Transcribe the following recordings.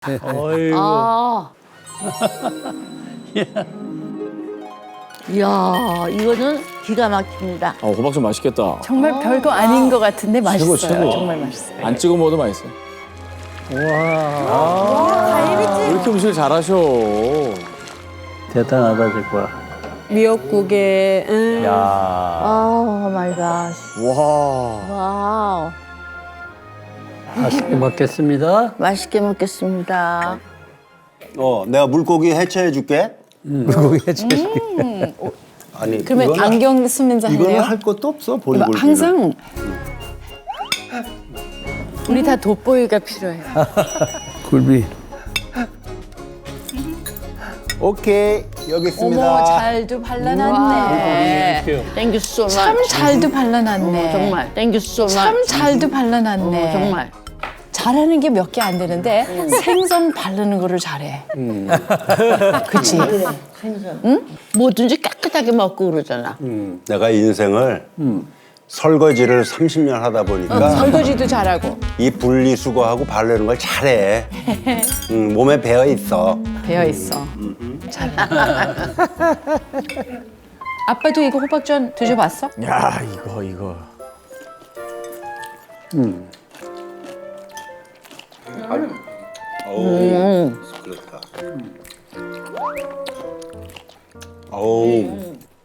어이구. 아. 이야, 이거는 기가 막힙니다. 호박 좀 맛있겠다. 정말 별거 아닌 것 같은데 맛있어요. 최고. 정말 맛있어요. 안 찍어 먹어도 맛있어. 왜 이렇게 음식을 잘하셔? 대단하다 정말. 미역국에 야. 아, 마이 갓. 와. 와우. 맛있게 먹겠습니다. 맛있게 먹겠습니다. 내가 물고기 해체해 줄게. 물고기 해치. 아니, 그러면 이거는- 안경 쓰면서 이거는 할래요? 할 것도 없어, 보리굴비는. 항상 우리 다 돋보이가 필요해요. 굴비. 오케이, 여기 있습니다. 어머, 잘도 발라놨네. 땡큐 소 마치. 참 잘도 발라놨네. 정말 땡큐 소 마치. 참 잘도 발라놨네. 정말. 잘하는 게 몇 개 안 되는데 생선 바르는 거를 잘해. 그치? 뭐든지 깨끗하게 먹고 그러잖아. 내가 인생을 설거지를 30년 하다 보니까 설거지도 잘하고 이 분리수거하고 바르는 걸 잘해. 몸에 배어 있어. 배어 있어. 잘. 아빠도 이거 호박전 드셔봤어? 야, 이거. 그렇다. 어우.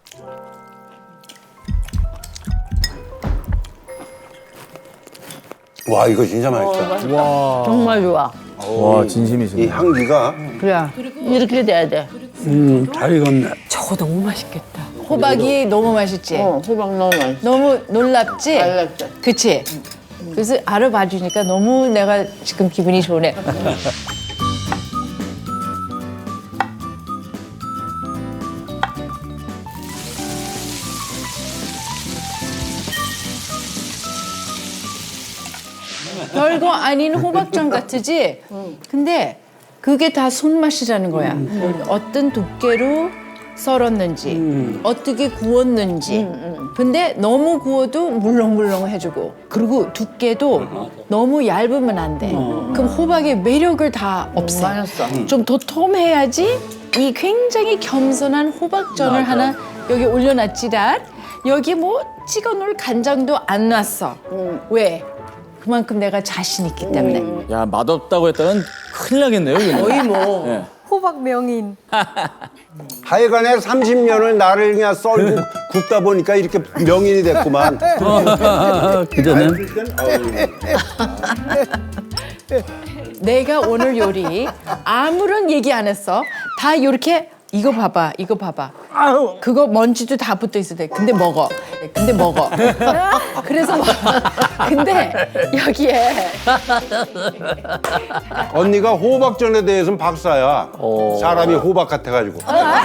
와, 이거 진짜 맛있다. 정말 좋아. 와, 진심이시네. 이 향기가 그래. 이렇게 돼야 돼. 잘 익었네. 저거 너무 맛있겠다. 호박이 너무 맛있지? 호박 너무 맛있어. 너무 놀랍지? 놀랍죠. 그치? 그래서 알아봐 주니까 너무 내가 지금 기분이 좋네. 별거 아닌 호박전 같으지? 근데 그게 다 손맛이라는 거야. 어떤 두께로 썰었는지, 어떻게 구웠는지. 근데 너무 구워도 물렁물렁 해주고, 그리고 두께도 너무 얇으면 안 돼. 그럼 호박의 매력을 다 없애. 맛있어. 좀 도톰해야지 이 굉장히 겸손한 호박전을 하나 여기 올려놨지란 여기 뭐 찍어 놓을 간장도 안 놨어. 왜? 그만큼 내가 자신 있기 때문에. 야, 맛없다고 했다면 큰일 나겠네요, 이거. 거의 뭐. 예. 호박 명인. 하여간에 30년을 나를 그냥 썰고 굽다 보니까 이렇게 명인이 됐구만. 그 전엔 내가 오늘 요리 아무런 얘기 안 했어. 다 이렇게 이거 봐봐, 이거 봐봐. 그거 먼지도 다 붙어 있어도 돼. 근데 먹어. 근데 먹어. 그래서 근데 여기에 언니가 호박전에 대해서는 박사야. 사람이 호박 같아가지고.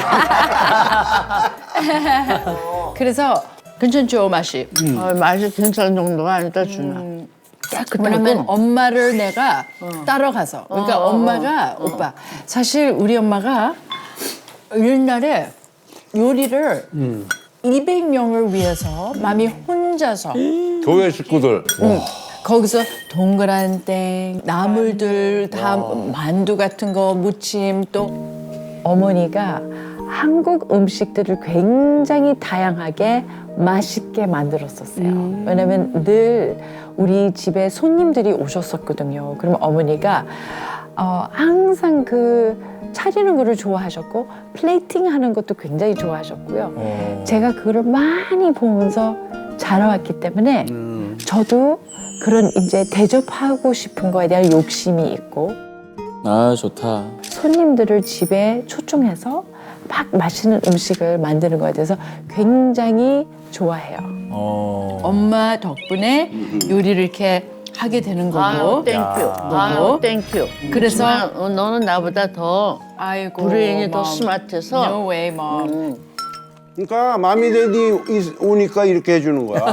그래서 괜찮죠 맛이. 맛이 괜찮은 정도가 아니다 주나. 왜냐면 엄마를 내가 따라가서. 그러니까 엄마가 오빠 사실 우리 엄마가 옛날에 요리를 200명을 위해서 맘이 혼자서 교회 식구들. 거기서 동그란 땡, 나물들 다 만두 같은 거 무침 또 어머니가 한국 음식들을 굉장히 다양하게 맛있게 만들었었어요. 왜냐면 늘 우리 집에 손님들이 오셨었거든요. 그러면 어머니가 항상 그 차리는 거를 좋아하셨고 플레이팅 하는 것도 굉장히 좋아하셨고요. 제가 그거를 많이 보면서 자라왔기 때문에 저도 그런 이제 대접하고 싶은 거에 대한 욕심이 있고 아, 좋다. 손님들을 집에 초청해서 막 맛있는 음식을 만드는 거에 대해서 굉장히 좋아해요. 엄마 덕분에 요리를 이렇게 하게 되는 아유, 거고. 땡큐. 아유, 땡큐. 그래서 정말 너는 나보다 더 아이고 브레인이 더 mom. 스마트해서 No way, mom. 그러니까 마미데디 오니까 이렇게 해주는 거야.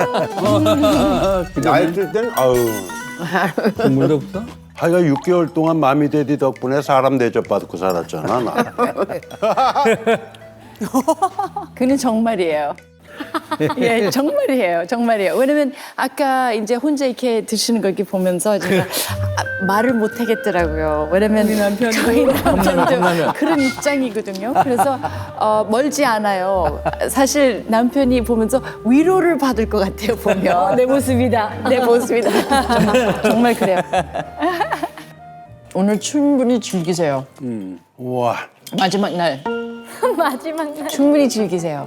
나 있을 땐 아유. 국물도 없어? 하여간 6개월 동안 마미데디 덕분에 사람 대접받고 살았잖아, 나. 그는 정말이에요. 예, 정말이에요, 정말이에요. 왜냐면 아까 이제 혼자 이렇게 드시는 거 이렇게 보면서 제가 말을 못 하겠더라고요. 왜냐면 저희 남편도 그런 입장이거든요. 그래서 멀지 않아요. 사실 남편이 보면서 위로를 받을 것 같아요. 보면 내 모습이다, 내 모습이다. 정말 그래요. 오늘 충분히 즐기세요. 우와. 마지막 날 마지막 날. 충분히 즐기세요.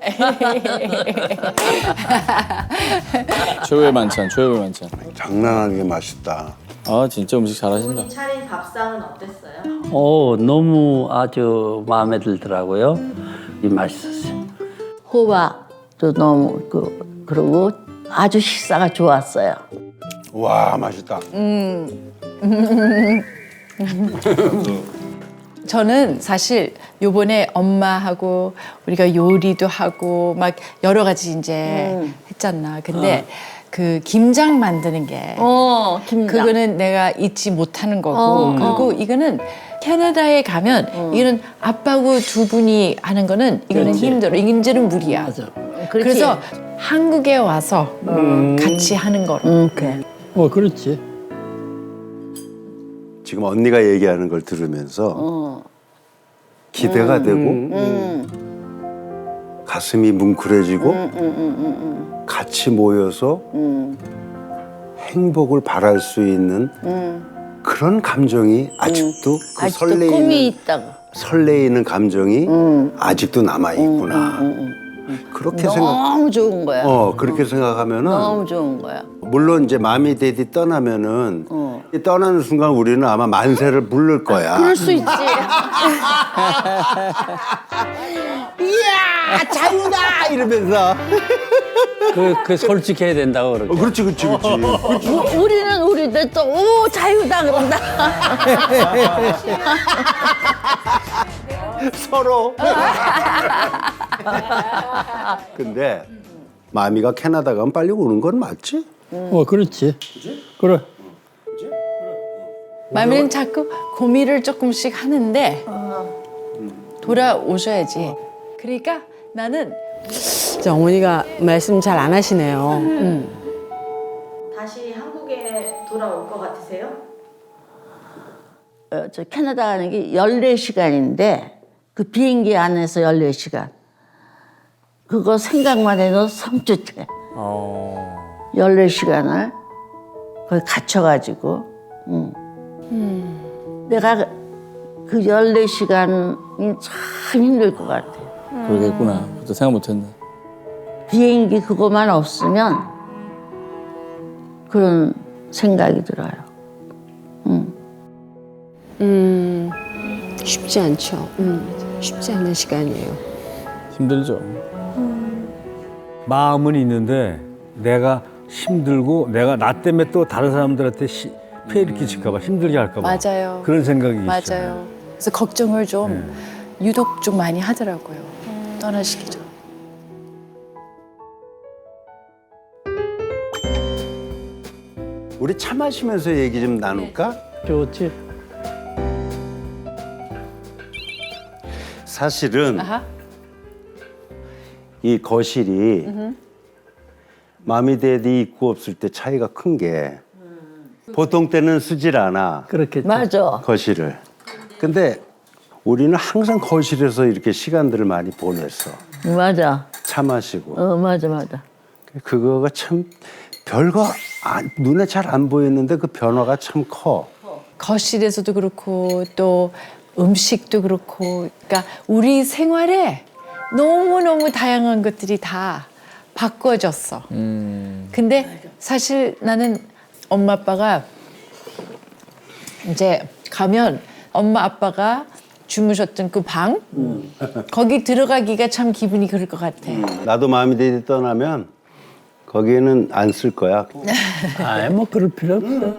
최후의 만찬, 최후의 만찬. 장난 아니게 맛있다. 아 진짜 음식 잘하신다. 본인 차린 밥상은 어땠어요? 너무 아주 마음에 들더라고요. 맛있었어요. 호박도 너무 그리고 아주 식사가 좋았어요. 와 맛있다. 저는 사실 요번에 엄마하고 우리가 요리도 하고 막 여러 가지 이제 했잖아. 근데 그 김장 만드는 게 김장. 그거는 내가 잊지 못하는 거고 그리고 이거는 캐나다에 가면 이거는 아빠하고 두 분이 하는 거는 이거는 힘들어. 이제는 무리야. 그렇지. 그래서 한국에 와서 같이 하는 거로. 그래. 그렇지. 지금 언니가 얘기하는 걸 들으면서 기대가 되고 가슴이 뭉클해지고 같이 모여서 행복을 바랄 수 있는 그런 감정이 아직도 그 아직도 꿈이 있다고. 설레이는 감정이 아직도 남아 있구나. 그렇게 너무 좋은 거야. 그렇게 생각하면은 너무 좋은 거야. 물론 이제 마미 데디 떠나면은 떠나는 순간 우리는 아마 만세를 부를 거야. 그럴 수 있지. 이야 자유다 이러면서. 그 솔직해야 된다고 그러죠. 그렇지. 우리는 우리들 또 오 자유다 그런다. 서로. 근데 마미가 캐나다 가면 빨리 오는 건 맞지? 그렇지. 그래. 마미는 자꾸 고민을 조금씩 하는데 돌아오셔야지. 그러니까 나는 진짜 어머니가 말씀 잘 안 하시네요. 다시 한국에 돌아올 것 같으세요? 저 캐나다 가는 게 14시간인데 그 비행기 안에서 14시간. 그거 생각만 해도 섬찟해. 14시간을 거기 갇혀가지고. 내가 그 14시간이 참 힘들 것 같아. 그러겠구나. 그것도 생각 못했네. 비행기 그것만 없으면 그런 생각이 들어요. 쉽지 않죠. 쉽지 않은 시간이에요. 힘들죠. 마음은 있는데 내가 힘들고 내가 나 때문에 또 다른 사람들한테 피해를 끼칠까봐 힘들게 할까봐 맞아요. 그런 생각이 있어요. 맞아요. 그래서 걱정을 좀 유독 좀 많이 하더라고요. 떠나시기 전. 우리 차 마시면서 얘기 좀 나눌까? 좋지. 사실은 아하. 이 거실이 마미데디 있고 없을 때 차이가 큰 게 보통 때는 쓰질 않아. 그렇겠지. 맞아. 거실을. 근데 우리는 항상 거실에서 이렇게 시간들을 많이 보냈어. 맞아. 차 마시고. 맞아. 그거가 참 별거 눈에 잘 안 보였는데 그 변화가 참 커. 거실에서도 그렇고 또 음식도 그렇고 그러니까 우리 생활에 너무너무 다양한 것들이 다 바꿔졌어. 근데 사실 나는 엄마 아빠가 이제 가면 엄마 아빠가 주무셨던 그 방 거기 들어가기가 참 기분이 그럴 것 같아. 나도 마미데디 떠나면 거기에는 안 쓸 거야. 뭐 그럴 필요 없어.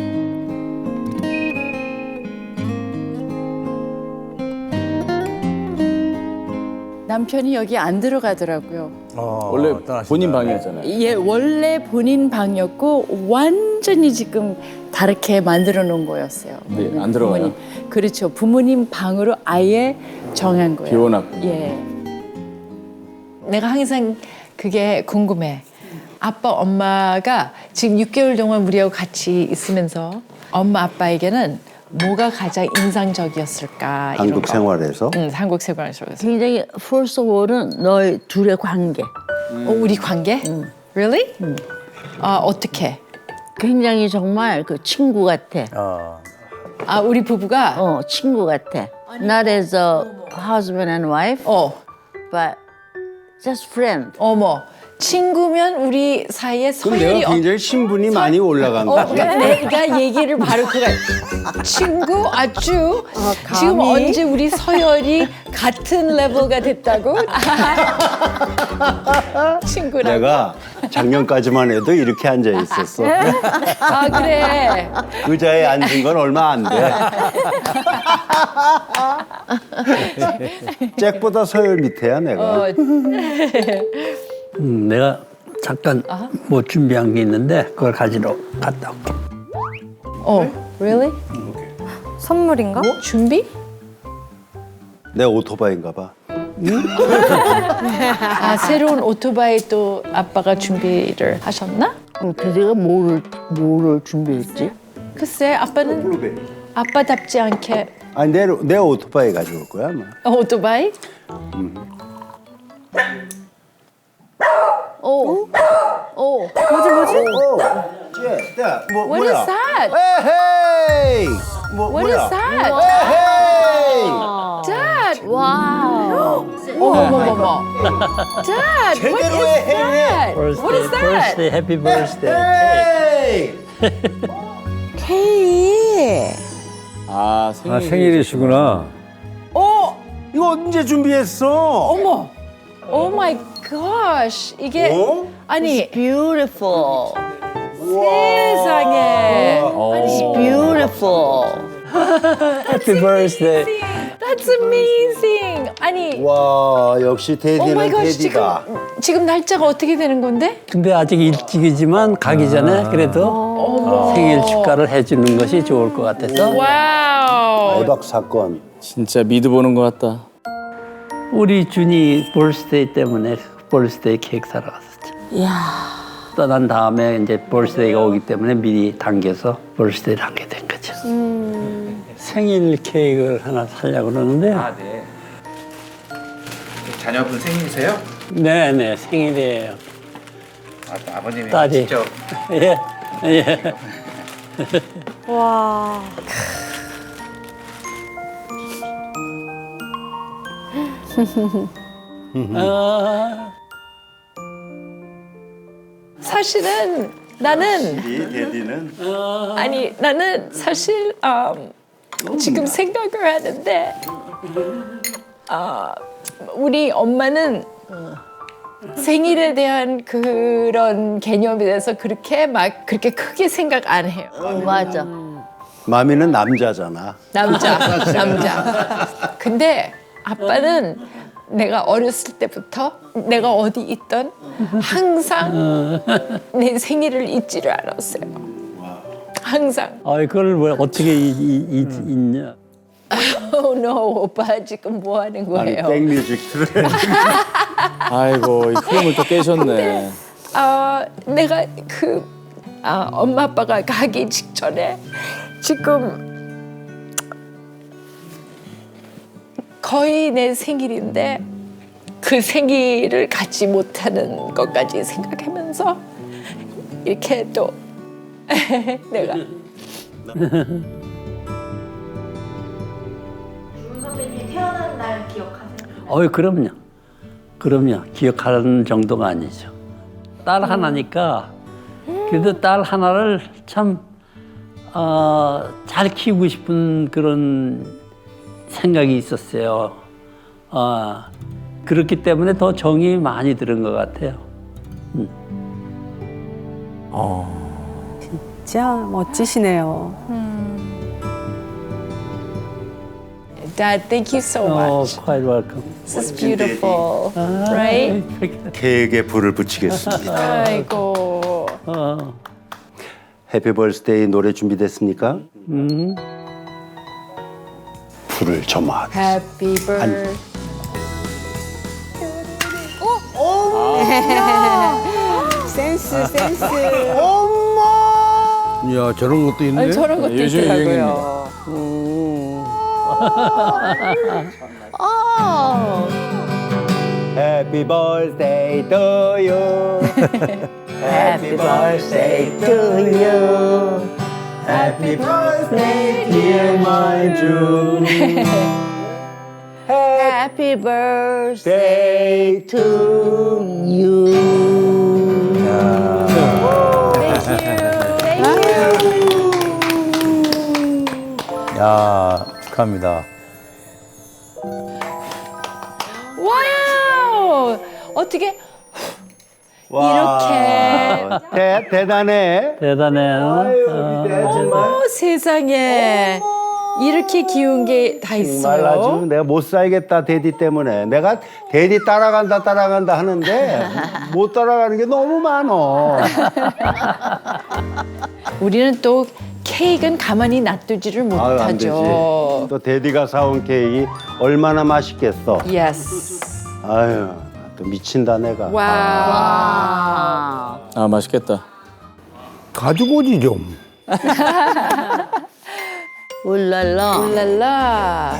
남편이 여기 안 들어가더라고요. 원래 본인 방이었잖아요. 예, 원래 본인 방이었고 완전히 지금 다르게 만들어 놓은 거였어요. 네, 안 들어가요? 부모님. 그렇죠. 부모님 방으로 아예 정한 거예요. 비워놨군요. 예. 내가 항상 그게 궁금해. 아빠, 엄마가 지금 6개월 동안 우리하고 같이 있으면서 엄마, 아빠에게는 뭐가 가장 인상적이었을까? 이런 한국 거. 생활에서 응, 한국 생활에서. 굉장히 first of all은 너희 둘의 관계. 우리 관계? Really? 어떻게? 굉장히 정말 그 친구 같아. 우리 부부가 친구 같아. Not as a husband and wife, but just friend. 어머, 친구면 우리 사이에 그럼 서열이 내가 굉장히 신분이 많이 올라간 거지. 내가 얘기를 바로 그가 친구 아주 지금 언제 우리 서열이 같은 레벨가 됐다고? 친구라고? 내가 작년까지만 해도 이렇게 앉아 있었어. 아 그래. 의자에 앉은 건 얼마 안 돼. 잭보다 서열 밑에야 내가. 내가 잠깐 뭐 준비한 게 있는데 그걸 가지러 갔다 올게. Really? 선물인가? 준비? 내 오토바이인가 봐. 새로운 오토바이 또 아빠가 준비를 하셨나? 대대가 뭐를 준비했지? 글쎄 아빠는 아빠답지 않게 아니 내 오토바이 가져올 거야 아마. 오토바이? 뭐, What is that? 에헤이! What is that? 에헤이! Dad! 와우. 어머머머머. Dad, what is 제대로 해. that? What is that? birthday, happy birthday. 에이! 아, 생일. 아, 생일이시구나. 이거 언제 준비했어? 어머. Oh my gosh. 이게 어? 아니 Beautiful. 세상에. It's beautiful. Happy birthday. That's amazing. 아니 와 역시 Oh my 테디는 gosh. 테디다. 지금 날짜가 어떻게 되는 건데? 근데 아직 일찍이지만 가기 전에 그래도 생일 축하를 해주는 것이 좋을 것 같아서 와우. 대박 사건. 진짜 미드 보는 것 같다. 우리 준이 birthday 때문에 birthday 케이크 사러 갔었죠. 이야. 떠난 다음에 이제 birthday가 오기 때문에 미리 당겨서 birthday를 하게 된 거죠. 생일 케이크를 하나 사려고 그러는데 네. 자녀분 생일이세요? 네네 생일이에요. 아버님이 딸이. 직접 예. 예. 와. 사실은 나는 테디는 아니 나는 사실 지금 생각을 하는데 우리 엄마는 생일에 대한 그런 개념에 대해서 그렇게 크게 생각 안 해요. 맞아. 마미는 남자잖아. 남자. 근데 아빠는 내가 어렸을 때부터 내가 어디 있던 항상 내 생일을 잊지를 않았어요. 항상. 그걸 왜 어떻게 잊냐? Oh no, 오빠 지금 뭐 하는 아니 거예요? 백뮤직 틀어. 아이고, 이 흐름을 또 깨셨네. 내가 엄마 아빠가 가기 직전에 지금 거의 내 생일인데 그 생일을 갖지 못하는 것까지 생각하면서 이렇게 또 내가 준 선배님 태어난 날 기억하세요? 그럼요. 기억하는 정도가 아니죠. 딸 하나니까 그래도 딸 하나를 참 잘 키우고 싶은 그런 생각이 있었어요. 그렇기 때문에 더 정이 많이 들은 것 같아요. 진짜 멋지시네요. Dad, thank you so much. quite welcome. This is beautiful, right? 케이크에 불을 붙이겠습니다. 아이고. 해피 벌스데이 노래 준비됐습니까? 불을 점화. Happy birthday. 센스 센스. 이야 저런 것도 있네. 아니, 저런 것도 요즘 있더라고요. Happy birthday to you. Happy birthday to you. Happy birthday dear my June. Happy birthday to you. 야, 축하합니다. 와우. 어떻게 이렇게 대단해. 대단해. 어머 세상에 이렇게 귀여운 게 다 정말 아주 있어요. 내가 못 살겠다 데디 때문에 내가 데디 따라간다 하는데 못 따라가는 게 너무 많어. 우리는 또 케이크는 가만히 놔두지를 아유, 안 되지. 못하죠. 또 데디가 사온 케이크 얼마나 맛있겠어. 예스. 아유 또 미친다 내가. 와. 아 맛있겠다. 가지고 오지 좀. 울랄라. 랄라.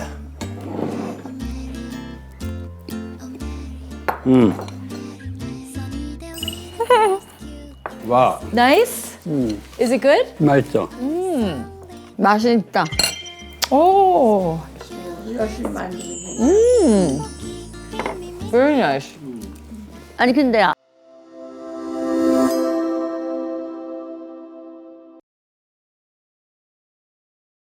와. Nice? Is it good? 맛있어. 맛있다. 오. Very nice. 아니 근데